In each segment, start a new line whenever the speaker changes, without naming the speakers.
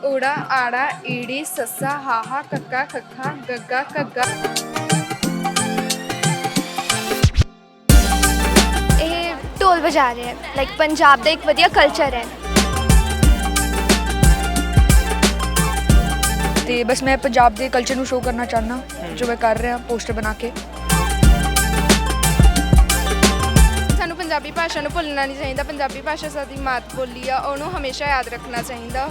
ਊੜਾ ਆੜਾ ਈੜੀ ਸੱਸਾ ਹਾਹਾ ਕੱਕਾ ਖੱਖਾ ਗੱਗਾ ਘੱਗਾ।
ਇਹ ਢੋਲ ਵਜਾ ਰਹੇ ਹੈ ਲਾਈਕ ਪੰਜਾਬ ਦਾ ਇੱਕ ਵਧੀਆ ਕਲਚਰ ਹੈ।
ਤੇ ਬਸ ਮੈਂ ਪੰਜਾਬ ਦੇ ਕਲਚਰ ਨੂੰ ਸ਼ੋਅ ਕਰਨਾ ਚਾਹੁੰਦਾ ਜੋ ਮੈਂ ਕਰ ਰਿਹਾ ਪੋਸਟਰ ਬਣਾ ਕੇ। ਸਾਨੂੰ ਪੰਜਾਬੀ ਭਾਸ਼ਾ ਨੂੰ ਭੁੱਲਣਾ ਨਹੀਂ ਚਾਹੀਦਾ। ਪੰਜਾਬੀ ਭਾਸ਼ਾ ਸਾਡੀ ਮਾਤ ਬੋਲੀ ਆ, ਉਹਨੂੰ ਹਮੇਸ਼ਾ ਯਾਦ ਰੱਖਣਾ ਚਾਹੀਦਾ।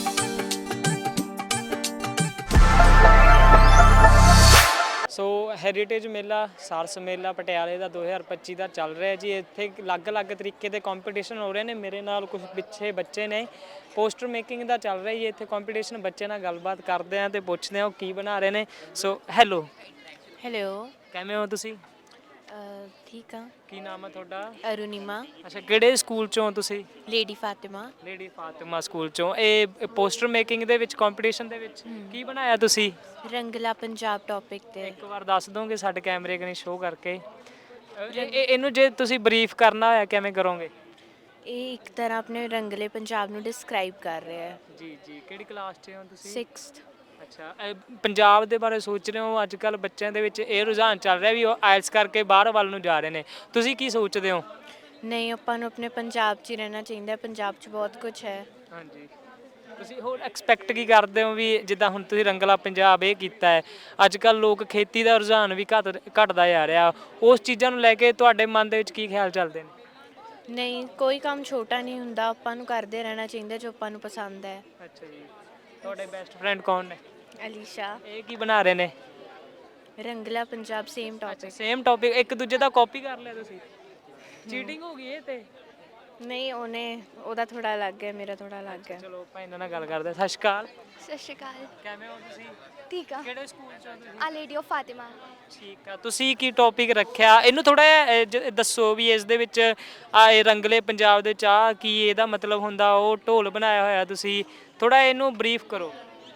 ਸੋ ਹੈਰੀਟੇਜ ਮੇਲਾ ਸਾਰਸ ਮੇਲਾ ਪਟਿਆਲੇ ਦਾ 2025 ਦਾ ਚੱਲ ਰਿਹਾ ਜੀ। ਇੱਥੇ ਅਲੱਗ-ਅਲੱਗ ਤਰੀਕੇ ਦੇ ਕੰਪੀਟੀਸ਼ਨ ਹੋ ਰਹੇ ਨੇ। ਮੇਰੇ ਨਾਲ ਕੁਝ ਪਿੱਛੇ ਬੱਚੇ ਨੇ, ਪੋਸਟਰ ਮੇਕਿੰਗ ਦਾ ਚੱਲ ਰਿਹਾ ਜੀ ਇੱਥੇ ਕੰਪੀਟੀਸ਼ਨ। ਬੱਚੇ ਨਾਲ ਗੱਲਬਾਤ ਕਰਦੇ ਆ ਤੇ ਪੁੱਛਦੇ ਆ ਉਹ ਕੀ ਬਣਾ ਰਹੇ ਨੇ। ਸੋ ਹੈਲੋ ਕਿਵੇਂ ਹੋ ਤੁਸੀਂ?
ਠੀਕ ਆ।
ਕੀ ਨਾਮ ਹੈ ਤੁਹਾਡਾ?
ਅਰੁਣਿਮਾ।
ਅੱਛਾ, ਕਿਹੜੇ ਸਕੂਲ ਚੋਂ ਤੁਸੀਂ?
Lady Fatima.
Lady Fatima school ਚੋਂ। ਇਹ ਪੋਸਟਰ ਮੇਕਿੰਗ ਦੇ ਵਿੱਚ ਕੰਪੀਟੀਸ਼ਨ ਦੇ ਵਿੱਚ ਕੀ ਬਣਾਇਆ ਤੁਸੀਂ?
ਰੰਗਲਾ ਪੰਜਾਬ ਟੌਪਿਕ ਤੇ।
ਇੱਕ ਵਾਰ ਦੱਸ ਦੋਗੇ ਸਾਡੇ ਕੈਮਰੇ ਕਨੀ ਸ਼ੋਅ ਕਰਕੇ? ਇਹਨੂੰ ਜੇ ਤੁਸੀਂ ਬਰੀਫ ਕਰਨਾ ਹੋਇਆ ਕਿਵੇਂ ਕਰੋਗੇ?
ਇਹ ਇੱਕ ਤਰ੍ਹਾਂ ਆਪਣੇ ਰੰਗਲੇ ਪੰਜਾਬ ਨੂੰ ਡਿਸਕ੍ਰਾਈਬ ਕਰ ਰਿਹਾ ਹੈ।
ਜੀ ਜੀ। ਕਿਹੜੀ ਕਲਾਸ 'ਚ ਹੋ ਤੁਸੀਂ?
6th।
ਅੱਛਾ, ਪੰਜਾਬ ਦੇ ਬਾਰੇ ਸੋਚ ਰਹੇ ਹੋ? ਅੱਜ ਕੱਲ੍ਹ ਬੱਚਿਆਂ ਦੇ ਵਿੱਚ ਇਹ ਰੁਝਾਨ ਚੱਲ ਰਿਹਾ ਵੀ ਉਹ ਆਇਲਸ ਕਰਕੇ ਬਾਹਰ ਵੱਲ ਨੂੰ ਜਾ ਰਹੇ ਨੇ। ਤੁਸੀਂ ਕੀ ਸੋਚਦੇ ਹੋ?
ਨਹੀਂ, ਆਪਾਂ ਨੂੰ ਆਪਣੇ ਪੰਜਾਬ 'ਚ ਹੀ ਰਹਿਣਾ ਚਾਹੀਦਾ। ਪੰਜਾਬ 'ਚ ਬਹੁਤ ਕੁਝ ਹੈ।
ਹਾਂਜੀ। ਤੁਸੀਂ ਹੋਰ ਐਕਸਪੈਕਟ ਕੀ ਕਰਦੇ ਹੋ ਵੀ ਜਿੱਦਾਂ ਹੁਣ ਤੁਸੀਂ ਰੰਗਲਾ ਪੰਜਾਬ ਇਹ ਕੀਤਾ ਹੈ, ਅੱਜ ਕੱਲ੍ਹ ਲੋਕ ਖੇਤੀ ਦਾ ਰੁਝਾਨ ਵੀ ਘਟਦਾ ਜਾ ਰਿਹਾ, ਉਸ ਚੀਜ਼ਾਂ ਨੂੰ ਲੈ ਕੇ ਤੁਹਾਡੇ ਮਨ ਦੇ ਵਿੱਚ ਕੀ ਖਿਆਲ ਚੱਲਦੇ ਨੇ?
ਨਹੀਂ, ਕੋਈ ਕੰਮ ਛੋਟਾ ਨਹੀਂ ਹੁੰਦਾ। ਆਪਾਂ ਨੂੰ ਕਰਦੇ ਰਹਿਣਾ ਚਾਹੀਦਾ ਜੋ ਆਪਾਂ ਨੂੰ ਪਸੰਦ ਹੈ।
ਅੱਛਾ ਜੀ। ਤੁਹਾਡੇ ਬੈਸਟ ਫਰੈਂਡ ਕੌਣ ਨੇ?
ਅਲੀਸ਼ਾ।
ਇਹ ਕੀ ਬਣਾ ਰਹੇ ਨੇ?
ਰੰਗਲਾ Punjab same topic.
Same topic. ਇੱਕ ਦੂਜੇ ਦਾ ਕਾਪੀ ਕਰ ਲਿਆ ਤੁਸੀਂ? ਚੀਟਿੰਗ ਹੋ ਗਈ ਇਹ ਤੇ?
ਨਹੀਂ, ਉਹਦਾ ਥੋੜਾ ਅਲੱਗ ਹੈ, ਮੇਰਾ ਥੋੜਾ ਅਲੱਗ ਹੈ।
ਚਲੋ ਆਪਾਂ ਇਹਨਾਂ ਨਾਲ ਗੱਲ ਕਰਦੇ ਹਾਂ। ਸਤਿ ਸ਼੍ਰੀ ਅਕਾਲ।
ਸਤਿ ਸ਼੍ਰੀ ਅਕਾਲ।
ਕਿਵੇਂ ਹੋ ਤੁਸੀਂ?
ਠੀਕ ਆ।
ਕਿਹੜੇ ਸਕੂਲ ਚੋਂ ਤੁਸੀਂ?
ਆ ਲੇਡੀ ਆਫ ਫਾਤਿਮਾ।
ਠੀਕ ਆ। ਤੁਸੀਂ ਕੀ ਟੌਪਿਕ ਰੱਖਿਆ? ਇਹਨੂੰ ਥੋੜਾ ਜਿਹਾ ਦੱਸੋ ਵੀ ਇਸ ਦੇ ਵਿੱਚ ਇਹ ਰੰਗਲੇ ਪੰਜਾਬ ਦੇ ਚਾਹ ਕੀ ਇਹਦਾ ਮਤਲਬ ਹੁੰਦਾ? ਉਹ ਢੋਲ ਬਣਾਇਆ ਹੋਇਆ ਤੁਸੀਂ, ਥੋੜਾ ਇਹਨੂੰ ਬਰੀਫ ਕਰੋ।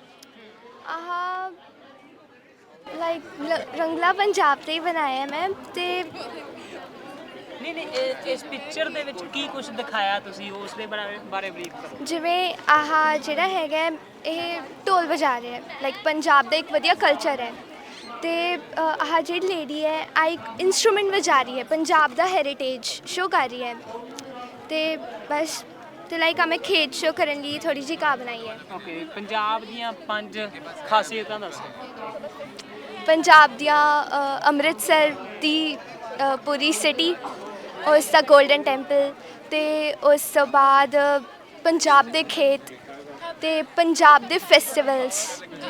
ਆਹ ਲਾਈਕ ਰੰਗਲਾ ਪੰਜਾਬ ਤੇ ਹੀ ਬਣਾਇਆ ਮੈਂ। ਤੇ
ਨਹੀਂ ਇਸ ਪਿਕਚਰ ਦੇ ਵਿੱਚ ਕੀ ਕੁਝ ਦਿਖਾਇਆ ਤੁਸੀਂ, ਉਸ ਦੇ ਬਾਰੇ ਬਰੀਫ ਕਰੋ।
ਜਿਵੇਂ ਆਹ ਜਿਹੜਾ ਹੈਗਾ ਇਹ ਢੋਲ ਵਜਾ ਰਿਹਾ ਹੈ ਲਾਈਕ ਪੰਜਾਬ ਦਾ ਇੱਕ ਵਧੀਆ ਕਲਚਰ ਹੈ। ਤੇ ਆਹ ਜਿਹੜੀ ਲੇਡੀ ਹੈ ਆ ਇੱਕ ਇਨਸਟਰੂਮੈਂਟ ਵਜਾ ਰਹੀ ਹੈ, ਪੰਜਾਬ ਦਾ ਹੈਰੀਟੇਜ ਸ਼ੋਅ ਕਰ ਰਹੀ ਹੈ। ਤੇ ਬਸ ਤੇ ਲਾਈਕ ਮੈਂ ਖੇਡ ਸ਼ੋਅ ਕਰਨ ਲਈ ਥੋੜੀ ਜਿਹੀ ਕਾ ਬਣਾਈ ਹੈ।
ਓਕੇ, ਪੰਜਾਬ ਦੀਆਂ 5 ਖਾਸੀਅਤਾਂ ਦੱਸੋ।
ਪੰਜਾਬ ਦੀਆਂ ਅੰਮ੍ਰਿਤਸਰ ਦੀ ਪੂਰੀ ਸਿਟੀ, ਉਸ ਦਾ ਗੋਲਡਨ ਟੈਂਪਲ, ਤੇ ਉਸ ਤੋਂ ਬਾਅਦ ਪੰਜਾਬ ਦੇ ਖੇਤ ਤੇ ਪੰਜਾਬ ਦੇ ਫੈਸਟੀਵਲਸ।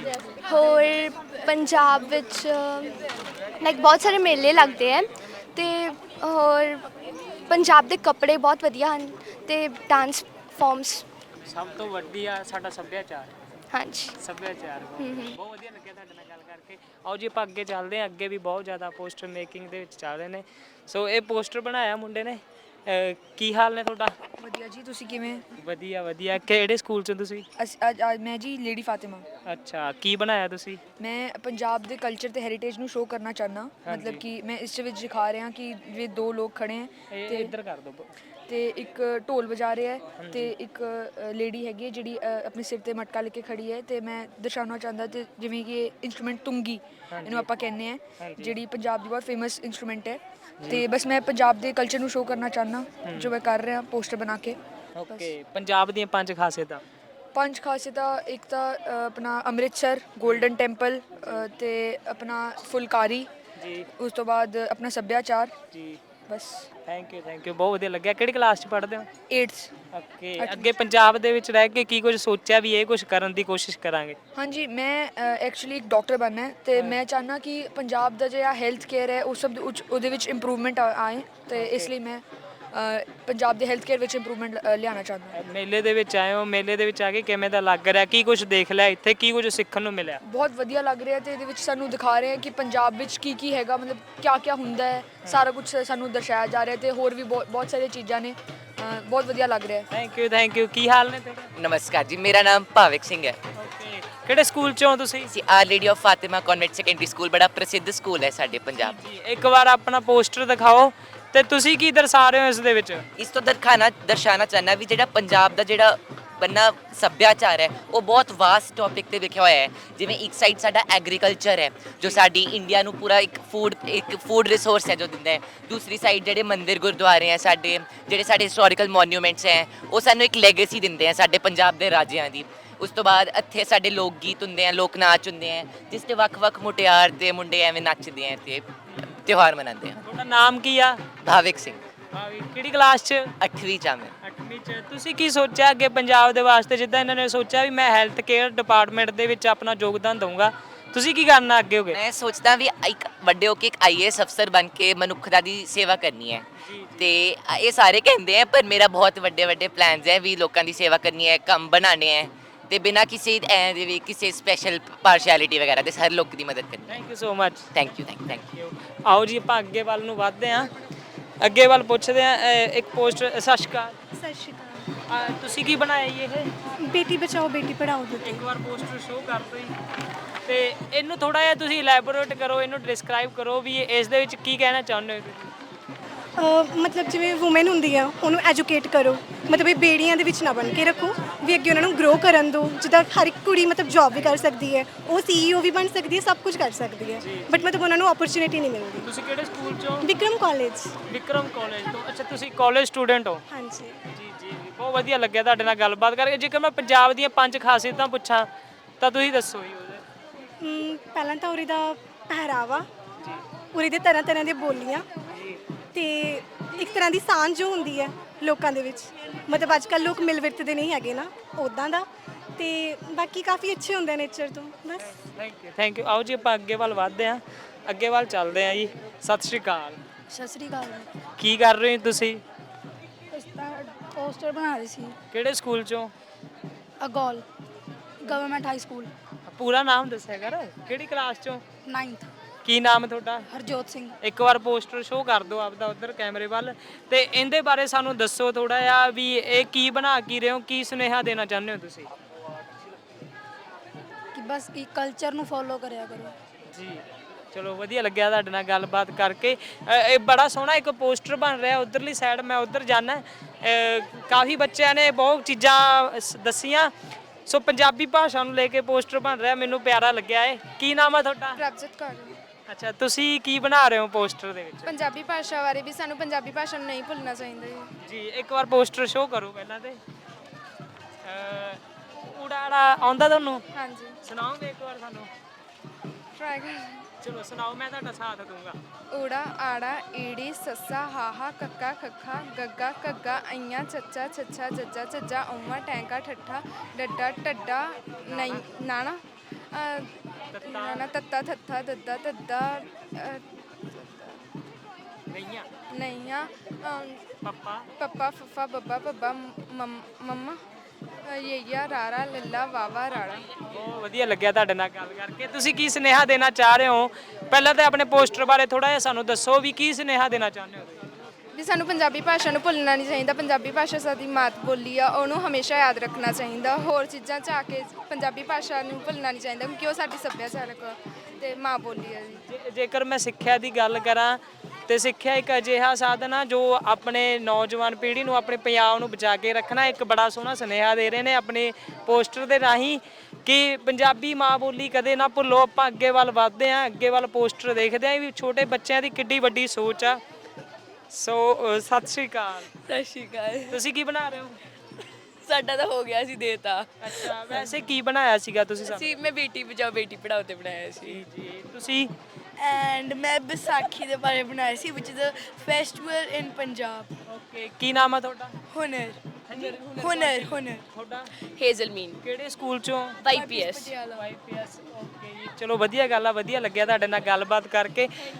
ਹੋਰ ਪੰਜਾਬ ਵਿੱਚ ਲਾਈਕ ਬਹੁਤ ਸਾਰੇ ਮੇਲੇ ਲੱਗਦੇ ਹੈ। ਤੇ ਹੋਰ ਪੰਜਾਬ ਦੇ ਕੱਪੜੇ ਬਹੁਤ ਵਧੀਆ ਹਨ ਤੇ ਡਾਂਸ ਫਾਰਮਸ।
ਸਭ ਤੋਂ ਵੱਡੀ ਆ ਸਾਡਾ ਸੱਭਿਆਚਾਰ।
ਹਾਂਜੀ।
ਸੱਭਿਆਚਾਰ ਬਹੁਤ ਵਧੀਆ ਲੱਗਿਆ ਤੁਹਾਡੇ ਨਾਲ ਗੱਲ ਕਰਕੇ। ਆਓ ਜੀ ਆਪਾਂ ਅੱਗੇ ਚੱਲਦੇ ਹਾਂ। ਅੱਗੇ ਵੀ ਬਹੁਤ ਜ਼ਿਆਦਾ ਪੋਸਟਰ ਮੇਕਿੰਗ ਦੇ ਵਿੱਚ ਚੱਲ ਰਹੇ ਨੇ। ਸੋ ਇਹ ਪੋਸਟਰ ਬਣਾਇਆ ਮੁੰਡੇ ਨੇ। ਕੀ ਹਾਲ ਨੇ ਤੁਹਾਡਾ?
ਵਧੀਆ ਜੀ, ਤੁਸੀਂ ਕਿਵੇਂ?
ਵਧੀਆ ਵਧੀਆ। ਕਿਹੜੇ ਸਕੂਲ ਚੋਂ ਤੁਸੀਂ?
ਮੈਂ ਜੀ ਲੇਡੀ ਫਾਤਿਮਾ।
ਅੱਛਾ, ਕੀ ਬਣਾਇਆ ਤੁਸੀਂ?
ਮੈਂ ਪੰਜਾਬ ਦੇ ਕਲਚਰ ਤੇ ਹੈਰੀਟੇਜ ਨੂੰ ਸ਼ੋਅ ਕਰਨਾ ਚਾਹੁੰਦਾ। ਮਤਲਬ ਕਿ ਮੈਂ ਇਸ ਵਿੱਚ ਦਿਖਾ ਰਿਹਾ ਕਿ ਜਿਵੇਂ ਦੋ ਲੋਕ ਖੜੇ ਹੈ
ਤੇ ਇੱਧਰ ਕਰ ਦੋ।
ਤੇ ਇੱਕ ਢੋਲ ਵਜਾ ਰਿਹਾ ਹੈ ਤੇ ਇੱਕ ਲੇਡੀ ਹੈਗੀ ਹੈ ਜਿਹੜੀ ਆਪਣੇ ਸਿਰ ਤੇ ਮਟਕਾ ਲੈ ਕੇ ਖੜੀ ਹੈ। ਤੇ ਮੈਂ ਦਰਸਾਉਣਾ ਚਾਹੁੰਦਾ ਤੇ ਜਿਵੇਂ ਕਿ ਇਹ ਇੰਸਟਰੂਮੈਂਟ ਤੁੰਗੀ ਇਹਨੂੰ ਆਪਾਂ ਕਹਿੰਦੇ ਆ, ਜਿਹੜੀ ਪੰਜਾਬ ਦੀ ਬਹੁਤ ਫੇਮਸ ਇੰਸਟਰੂਮੈਂਟ ਹੈ। ਤੇ ਬਸ ਮੈਂ ਪੰਜਾਬ ਦੇ ਕਲਚਰ ਨੂੰ ਸ਼ੋਅ ਕਰਨਾ ਚਾਹੁੰਦਾ ਜੋ ਮੈਂ ਕਰ ਰਿਹਾ ਪੋਸਟਰ ਬਣਾ ਕੇ।
ਓਕੇ, ਪੰਜਾਬ ਦੀਆਂ 5 ਖਾਸੀਅਤਾਂ।
5 ਖਾਸੀਅਤਾਂ। ਇੱਕ ਤਾਂ ਆਪਣਾ ਅੰਮ੍ਰਿਤਸਰ ਗੋਲਡਨ ਟੈਂਪਲ, ਤੇ ਆਪਣਾ ਫੁਲਕਾਰੀ
ਜੀ।
ਉਸ ਤੋਂ ਬਾਅਦ ਆਪਣਾ ਸੱਭਿਆਚਾਰ।
ਜੀ,
ਬਸ।
ਥੈਂਕ ਯੂ ਬਹੁਤ ਵਧੀਆ ਲੱਗਿਆ। ਕਿਹੜੀ ਕਲਾਸ 'ਚ ਪੜ੍ਹਦੇ ਹੋ?
8th।
ਓਕੇ, ਅੱਗੇ ਪੰਜਾਬ ਦੇ ਵਿੱਚ ਰਹਿ ਕੇ ਕੀ ਕੁਝ ਸੋਚਿਆ ਵੀ ਇਹ ਕੁਝ ਕਰਨ ਦੀ ਕੋਸ਼ਿਸ਼ ਕਰਾਂਗੇ?
ਹਾਂਜੀ, ਮੈਂ ਐਕਚੁਅਲੀ ਇੱਕ ਡਾਕਟਰ ਬਣਨਾ ਹੈ ਤੇ ਮੈਂ ਚਾਹੁੰਦਾ ਕਿ ਪੰਜਾਬ ਦਾ ਜਿਹੜਾ ਹੈਲਥ ਕੇਅਰ ਹੈ ਉਹ ਸਭ ਉਹਦੇ ਵਿੱਚ ਇੰਪਰੂਵਮੈਂਟ ਆਏ। ਤੇ ਇਸ ਲਈ ਮੈਂ ਪੰਜਾਬ ਦੇ ਹੈਲਥ ਕੇਅਰ ਵਿੱਚ ਇੰਪਰੂਵਮੈਂਟ ਲਿਆਉਣਾ ਚਾਹੁੰਦਾ।
ਮੇਲੇ ਦੇ ਵਿੱਚ ਆਏ ਹੋ, ਮੇਲੇ ਦੇ ਵਿੱਚ ਆ ਕੇ ਕਿਵੇਂ ਦਾ ਲੱਗ ਰਿਹਾ? ਕੀ ਕੁਝ ਦੇਖ ਲਿਆ ਇੱਥੇ? ਕੀ ਕੁਝ ਸਿੱਖਣ ਨੂੰ ਮਿਲਿਆ?
ਬਹੁਤ ਵਧੀਆ ਲੱਗ ਰਿਹਾ ਤੇ ਇਹਦੇ ਵਿੱਚ ਸਾਨੂੰ ਦਿਖਾ ਰਹੇ ਹੈ ਕਿ ਪੰਜਾਬ ਵਿੱਚ ਕੀ ਕੀ ਹੈਗਾ, ਮਤਲਬ ਕਿਆ ਹੁੰਦਾ ਹੈ। ਸਾਰਾ ਕੁਝ ਸਾਨੂੰ ਦਰਸਾਇਆ ਜਾ ਰਿਹਾ ਤੇ ਹੋਰ ਵੀ ਬਹੁਤ ਸਾਰੀਆਂ ਚੀਜ਼ਾਂ ਨੇ। ਬਹੁਤ ਵਧੀਆ ਲੱਗ ਰਿਹਾ।
Thank you. ਕੀ ਹਾਲ ਨੇ ਤੁਹਾਡੇ?
ਨਮਸਕਾਰ ਜੀ, ਮੇਰਾ ਨਾਮ ਭਾਵਿਕ ਸਿੰਘ ਹੈ।
ਓਕੇ, ਕਿਹੜੇ ਸਕੂਲ ਚੋਂ ਤੁਸੀਂ?
ਅਸੀਂ our lady of Fatima convent secondary school, ਬੜਾ ਪ੍ਰਸਿੱਧ ਸਕੂਲ ਹੈ ਸਾਡੇ ਪੰਜਾਬ।
ਜੀ, ਇੱਕ ਵਾਰ ਆਪਣਾ ਪੋਸਟਰ ਦਿਖਾਓ ਤੇ ਤੁਸੀਂ ਕੀ ਦਰਸਾ ਰਹੇ ਹੋ ਇਸ ਦੇ ਵਿੱਚ?
ਇਸ ਤੋਂ ਦਰਸਾਉਣਾ ਚਾਹੁੰਦਾ ਵੀ ਜਿਹੜਾ ਪੰਜਾਬ ਦਾ ਜਿਹੜਾ ਬੰਨਾ ਸੱਭਿਆਚਾਰ ਹੈ ਉਹ ਬਹੁਤ ਵਾਸਟ ਟੌਪਿਕ ਤੇ ਲਿਖਿਆ ਹੋਇਆ ਹੈ। ਜਿਵੇਂ ਇੱਕ ਸਾਈਡ ਸਾਡਾ ਐਗਰੀਕਲਚਰ ਹੈ ਜੋ ਸਾਡੀ ਇੰਡੀਆ ਨੂੰ ਪੂਰਾ ਇੱਕ ਫੂਡ ਰਿਸੋਰਸ ਹੈ ਜੋ ਦਿੰਦਾ ਹੈ। ਦੂਸਰੀ ਸਾਈਡ ਜਿਹੜੇ ਮੰਦਿਰ ਗੁਰਦੁਆਰੇ ਹੈ ਸਾਡੇ, ਜਿਹੜੇ ਸਾਡੇ ਹਿਸਟੋਰੀਕਲ ਮੋਨੂਮੈਂਟਸ ਹੈ, ਉਹ ਸਾਨੂੰ ਇੱਕ ਲੈਗੇਸੀ ਦਿੰਦੇ ਆ ਸਾਡੇ ਪੰਜਾਬ ਦੇ ਰਾਜਿਆਂ ਦੀ। ਉਸ ਤੋਂ ਬਾਅਦ ਇੱਥੇ ਸਾਡੇ ਲੋਕ ਗੀਤ ਹੁੰਦੇ ਆ, ਲੋਕ ਨਾਚ ਹੁੰਦੇ ਆ, ਜਿਸ 'ਤੇ ਵੱਖ-ਵੱਖ ਮੁਟਿਆਰ ਤੇ ਮੁੰਡੇ ਐਵੇਂ ਨੱਚਦੇ ਆ ਤੇ ਤਿਉਹਾਰ ਮਨਾਉਂਦੇ ਆ।
ਤੁਹਾਡਾ ਨਾਮ ਕੀ ਆ?
ਭਾਵਿਕ ਸਿੰਘ,
ਕਿਹੜੀ ਕਲਾਸ 'ਚ?
8ਵੀਂ 'ਚ ਆ ਮੈਂ।
8ਵੀਂ 'ਚ। ਤੁਸੀਂ ਕੀ ਸੋਚਿਆ ਅੱਗੇ ਪੰਜਾਬ ਦੇ ਵਾਸਤੇ, ਜਿੱਦਾਂ ਇਹਨਾਂ ਨੇ ਸੋਚਿਆ ਵੀ ਮੈਂ ਹੈਲਥ ਕੇਅਰ ਡਿਪਾਰਟਮੈਂਟ ਦੇ ਵਿੱਚ ਆਪਣਾ ਯੋਗਦਾਨ ਦਊਂਗਾ, ਤੁਸੀਂ ਕੀ ਕਰਨਾ ਅੱਗੇ ਹੋ ਗਏ?
ਮੈਂ ਸੋਚਦਾ ਵੀ ਇੱਕ ਵੱਡੇ ਹੋ ਕੇ ਇੱਕ ਆਈਏਐਸ ਅਫਸਰ ਬਣ ਕੇ ਮਨੁੱਖਤਾ ਦੀ ਸੇਵਾ ਕਰਨੀ ਹੈ। ਤੇ ਇਹ ਸਾਰੇ ਕਹਿੰਦੇ ਆ ਪਰ ਮੇਰਾ ਬਹੁਤ ਵੱਡੇ ਪਲਾਨਸ ਹੈ ਵੀ ਲੋਕਾਂ ਦੀ ਸੇਵਾ ਕਰਨੀ ਹੈ, ਕੰਮ ਬਣਾਉਣੇ ਹੈ ਤੇ ਬਿਨਾਂ ਕਿਸੇ ਐਂ ਦੇ ਵੀ ਕਿਸੇ ਸਪੈਸ਼ਲ ਪਾਰਸ਼ੈਲਿਟੀ ਵਗੈਰਾ ਦੇ ਹਰ ਲੋਕ ਦੀ ਮਦਦ ਕਰਨੀ।
Thank you so much.
Thank you.
ਆਓ ਜੀ ਆਪਾਂ ਅੱਗੇ ਵੱਲ ਨੂੰ ਵੱਧਦੇ ਹਾਂ। ਅੱਗੇ ਵੱਲ ਪੁੱਛਦੇ ਹਾਂ ਇੱਕ ਪੋਸਟ। ਸਤਿ ਸ਼੍ਰੀ ਅਕਾਲ।
ਸਤਿ ਸ਼੍ਰੀ ਅਕਾਲ।
ਤੁਸੀਂ ਕੀ ਬਣਾਇਆ ਜੀ ਇਹ?
ਬੇਟੀ ਬਚਾਓ ਬੇਟੀ ਪੜਾਓ ਦੇ ਉੱਤੇ।
ਇੱਕ ਵਾਰ ਪੋਸਟਰ ਸ਼ੋਅ ਕਰ ਦਿਓ ਜੀ। ਤੇ ਇਹਨੂੰ ਥੋੜਾ ਜਿਹਾ ਤੁਸੀਂ ਇਲੈਬੋਰੇਟ ਕਰੋ, ਇਹਨੂੰ ਡਿਸਕ੍ਰਾਈਬ ਕਰੋ ਵੀ ਇਸ ਦੇ ਵਿੱਚ ਕੀ ਕਹਿਣਾ ਚਾਹੁੰਦੇ ਹੋ ਤੁਸੀਂ?
ਮਤਲਬ ਜਿਵੇਂ ਵੂਮਨ ਹੁੰਦੀ ਆ ਉਹਨੂੰ ਐਜੂਕੇਟ ਕਰੋ, ਮਤਲਬ ਇਹ ਬੇੜੀਆਂ ਦੇ ਵਿੱਚ ਨਾ ਬਣ ਕੇ ਰੱਖੋ ਵੀ ਅੱਗੇ ਉਹਨਾਂ ਨੂੰ ਗਰੋ ਕਰਨ ਦਿਓ। ਜਿੱਦਾਂ ਹਰ ਇੱਕ ਕੁੜੀ ਮਤਲਬ ਜੌਬ ਵੀ ਕਰ ਸਕਦੀ ਹੈ, ਉਹ CEO ਵੀ ਬਣ ਸਕਦੀ ਹੈ, ਸਭ ਕੁਝ ਕਰ ਸਕਦੀ ਹੈ, ਬਟ ਮਤਲਬ ਉਹਨਾਂ ਨੂੰ ਓਪਰਚੁਨਿਟੀ ਨਹੀਂ ਮਿਲਦੀ।
ਤੁਸੀਂ ਕਿਹੜੇ ਸਕੂਲ ਚੋਂ?
ਵਿਕਰਮ ਕਾਲਜ।
ਵਿਕਰਮ ਕਾਲਜ ਤੋਂ। ਅੱਛਾ, ਤੁਸੀਂ ਕਾਲਜ ਸਟੂਡੈਂਟ ਹੋ?
ਹਾਂਜੀ।
ਜੀ, ਬਹੁਤ ਵਧੀਆ ਲੱਗਿਆ ਤੁਹਾਡੇ ਨਾਲ ਗੱਲਬਾਤ ਕਰਕੇ। ਜੇਕਰ ਮੈਂ ਪੰਜਾਬ ਦੀਆਂ 5 ਖਾਸੀਅਤਾਂ ਪੁੱਛਾਂ ਤਾਂ ਤੁਸੀਂ ਦੱਸੋ ਜੀ ਉਹਦੇ।
ਪਹਿਲਾਂ ਤਾਂ ਉਰੇ ਦਾ ਪਹਿਰਾਵਾ, ਉਰੇ ਦੇ ਤਰ੍ਹਾਂ ਦੀਆਂ ਬੋਲੀਆਂ ਤੇ ਇੱਕ ਤਰ੍ਹਾਂ ਦੀ ਸਾਂਝ ਜੋ ਹੁੰਦੀ ਹੈ ਲੋਕਾਂ ਦੇ ਵਿੱਚ, ਮਤਲਬ ਅੱਜ ਕੱਲ੍ਹ ਲੋਕ ਮਿਲ ਵਰਤਦੇ ਨਹੀਂ ਹੈਗੇ ਨਾ ਉੱਦਾਂ ਦਾ, ਤੇ ਬਾਕੀ ਕਾਫੀ ਅੱਛੇ ਹੁੰਦੇ ਨੇਚਰ ਤੋਂ। ਬਸ
ਥੈਂਕ ਯੂ। ਆਓ ਜੀ ਆਪਾਂ ਅੱਗੇ ਵੱਲ ਵੱਧਦੇ ਹਾਂ, ਅੱਗੇ ਵੱਲ ਚੱਲਦੇ ਹਾਂ ਜੀ। ਸਤਿ ਸ਼੍ਰੀ ਅਕਾਲ।
ਸਤਿ ਸ੍ਰੀ ਅਕਾਲ।
ਕੀ ਕਰ ਰਹੇ ਹੋ ਤੁਸੀਂ?
ਪੋਸਟਰ ਬਣਾ ਰਹੀ ਸੀ।
ਕਿਹੜੇ ਸਕੂਲ ਚੋਂ?
Agol government high school.
ਪੂਰਾ ਨਾਮ ਦੱਸਿਆ ਕਰ। ਕਿਹੜੀ ਕਲਾਸ ਚੋਂ?
9th।
ਕੀ ਨਾਮ ਹੈ ਤੁਹਾਡਾ?
ਹਰਜੋਤ ਸਿੰਘ।
ਇੱਕ ਵਾਰ ਪੋਸਟਰ ਸ਼ੋਅ ਕਰ ਦਿਓ ਆਪਦਾ ਉਧਰ ਕੈਮਰੇ ਵੱਲ, ਤੇ ਇਹਦੇ ਬਾਰੇ ਸਾਨੂੰ ਦੱਸੋ ਥੋੜਾ ਜਿਹਾ ਵੀ ਇਹ ਕੀ ਬਣਾ ਕੀ ਰਹੇ ਹੋ, ਕੀ ਸੁਨੇਹਾ ਦੇਣਾ ਚਾਹੁੰਦੇ ਹੋ ਤੁਸੀਂ?
ਕਿ ਬਸ ਇਹ ਕਲਚਰ ਨੂੰ ਫੋਲੋ ਕਰਿਆ ਕਰੋ।
ਜੀ, ਚਲੋ ਵਧੀਆ ਲੱਗਿਆ ਤੁਹਾਡੇ ਨਾਲ ਗੱਲਬਾਤ ਕਰਕੇ। ਇਹ ਬੜਾ ਸੋਹਣਾ ਇੱਕ ਪੋਸਟਰ ਬਣ ਰਿਹਾ ਉਧਰਲੀ ਸਾਈਡ, ਮੈਂ ਉਧਰ ਜਾਣਾ। ਕਾਫੀ ਬੱਚਿਆਂ ਨੇ ਬਹੁਤ ਚੀਜ਼ਾਂ ਦੱਸੀਆਂ। ਸੋ ਪੰਜਾਬੀ ਭਾਸ਼ਾ ਨੂੰ ਲੈ ਕੇ ਪੋਸਟਰ ਬਣ ਰਿਹਾ, ਮੈਨੂੰ ਪਿਆਰਾ ਲੱਗਿਆ ਏ। ਕੀ ਨਾਮ ਆ ਤੁਹਾਡਾ?
ਪ੍ਰਭਜੋਤ ਕੌਰ।
ਅੱਛਾ, ਤੁਸੀਂ ਕੀ ਬਣਾ ਰਹੇ ਹੋ ਪੋਸਟਰ ਦੇ ਵਿੱਚ?
ਪੰਜਾਬੀ ਭਾਸ਼ਾ ਬਾਰੇ ਵੀ ਸਾਨੂੰ ਪੰਜਾਬੀ ਭਾਸ਼ਾ ਨੂੰ ਨਹੀਂ ਭੁੱਲਣਾ ਚਾਹੀਦਾ
ਜੀ, ਇੱਕ ਵਾਰ ਪੋਸਟਰ ਸ਼ੋਅ ਕਰੋ ਪਹਿਲਾਂ ਤੇ। ਉਡਾੜਾ ਆਉਂਦਾ ਤੁਹਾਨੂੰ?
ਹਾਂਜੀ,
ਸੁਣਾਓਗੇ ਇੱਕ ਵਾਰ ਸਾਨੂੰ?
ਟਰਾਈ ਕਰ।
ਚਲੋ ਸੁਣਾਓ, ਮੈਂ ਤੁਹਾਡਾ ਸਾਥ ਦੂੰਗਾ।
ਊੜਾ ਆੜਾ ਈੜੀ ਸੱਸਾ ਹਾਹਾ ਕੱਕਾ ਖੱਖਾ ਗੱਗਾ ਘੱਗਾ ਅਈਆਂ ਚੱਚਾ ਛੱਛਾ ਜੱਜਾ ਝੱਜਾ ਔਮਾ ਟੈਂਕਾ ਠੱਠਾ ਡੱਡਾ ਟੱਡਾ ਨਹੀਂ ਨਾਣਾ ਨਾਣਾ ਤੱਤਾ ਥੱਥਾ ਦੱਦਾ ਦੱਦਾ
ਗਈਆਂ
ਨਈਆਂ
ਪੱਪਾ
ਪੱਪਾ ਫੱਫਾ ਬੱਬਾ ਬੱਬਾ ਮੰਮਾ ਯਈਆ ਰਾਰਾ ਲੱਲਾ ਵਾਵਾ ਰਾੜਾ।
ਬਹੁਤ ਵਧੀਆ ਲੱਗਿਆ ਤੁਹਾਡੇ ਨਾਲ ਗੱਲ ਕਰਕੇ। ਤੁਸੀਂ ਕੀ ਸੁਨੇਹਾ ਦੇਣਾ ਚਾਹ ਰਹੇ ਹੋ? ਪਹਿਲਾਂ ਤਾਂ ਆਪਣੇ ਪੋਸਟਰ ਬਾਰੇ ਥੋੜਾ ਜਿਹਾ ਸਾਨੂੰ ਦੱਸੋ ਵੀ ਕੀ ਸੁਨੇਹਾ ਦੇਣਾ ਚਾਹੁੰਦੇ ਹੋ ਤੁਸੀਂ?
ਵੀ ਸਾਨੂੰ ਪੰਜਾਬੀ ਭਾਸ਼ਾ ਨੂੰ ਭੁੱਲਣਾ ਨਹੀਂ ਚਾਹੀਦਾ। ਪੰਜਾਬੀ ਭਾਸ਼ਾ ਸਾਡੀ ਮਾਤ ਬੋਲੀ ਆ, ਉਹਨੂੰ ਹਮੇਸ਼ਾ ਯਾਦ ਰੱਖਣਾ ਚਾਹੀਦਾ। ਹੋਰ ਚੀਜ਼ਾਂ 'ਚ ਆ ਕੇ ਪੰਜਾਬੀ ਭਾਸ਼ਾ ਨੂੰ ਭੁੱਲਣਾ ਨਹੀਂ ਚਾਹੀਦਾ, ਕਿਉਂਕਿ ਉਹ ਸਾਡੀ ਸੱਭਿਆਚਾਰਕ ਤੇ ਮਾਂ ਬੋਲੀ ਹੈ ਜੀ।
ਜੇਕਰ ਮੈਂ ਸਿੱਖਿਆ ਦੀ ਗੱਲ ਕਰਾਂ ਤੇ ਸਿੱਖਿਆ ਇੱਕ ਅਜਿਹਾ ਸਾਧਨ ਆ ਜੋ ਆਪਣੇ ਨੌਜਵਾਨ ਪੀੜ੍ਹੀ ਨੂੰ, ਆਪਣੇ ਪੰਜਾਬ ਨੂੰ ਬਚਾ ਕੇ ਰੱਖਣਾ। ਇੱਕ ਬੜਾ ਸੋਹਣਾ ਸੁਨੇਹਾ ਦੇ ਰਹੇ ਨੇ ਆਪਣੇ ਪੋਸਟਰ ਦੇ ਰਾਹੀਂ ਕਿ ਪੰਜਾਬੀ ਮਾਂ ਬੋਲੀ ਕਦੇ ਨਾ ਭੁੱਲੋ। ਆਪਾਂ ਅੱਗੇ ਵੱਲ ਵੱਧਦੇ ਹਾਂ, ਅੱਗੇ ਵੱਲ ਪੋਸਟਰ ਦੇਖਦੇ ਹਾਂ ਵੀ ਛੋਟੇ ਬੱਚਿਆਂ ਦੀ ਕਿੱਡੀ ਵੱਡੀ ਸੋਚ ਆ। ਸੋ ਸਤਿ ਸ਼੍ਰੀ ਅਕਾਲ।
ਸਤਿ ਸ਼੍ਰੀ ਅਕਾਲ।
ਤੁਸੀਂ ਕੀ ਬਣਾ ਰਹੇ ਹੋ?
ਸਾਡਾ ਤਾਂ ਹੋ ਗਿਆ ਸੀ ਦੇਤਾ।
ਅੱਛਾ, ਵੈਸੇ ਕੀ ਬਣਾਇਆ ਸੀਗਾ ਤੁਸੀਂ?
ਸੀ ਮੈਂ ਬੇਟੀ ਬਚਾਓ ਬੇਟੀ ਪੜਾਓ ਤੇ ਬਣਾਇਆ ਸੀ।
ਜੀ, ਤੁਸੀਂ?
ਐਂਡ ਮੈਂ ਵਿਸਾਖੀ ਦੇ ਬਾਰੇ ਬਣਾਇਆ ਸੀ which is a festival in Punjab.
Okay, ਕੀ ਨਾਮ ਆ ਤੁਹਾਡਾ?
ਹੁਨਰ
ਤੁਹਾਡਾ?
ਹੇਜ਼ਲਮੀਨ।
ਕਿਹੜੇ ਸਕੂਲ ਚੋਂ?
YPS।
YPS। ਓਕੇ ਜੀ, ਚਲੋ ਵਧੀਆ ਗੱਲ ਆ, ਵਧੀਆ ਲੱਗਿਆ ਤੁਹਾਡੇ ਨਾਲ ਗੱਲਬਾਤ ਕਰਕੇ।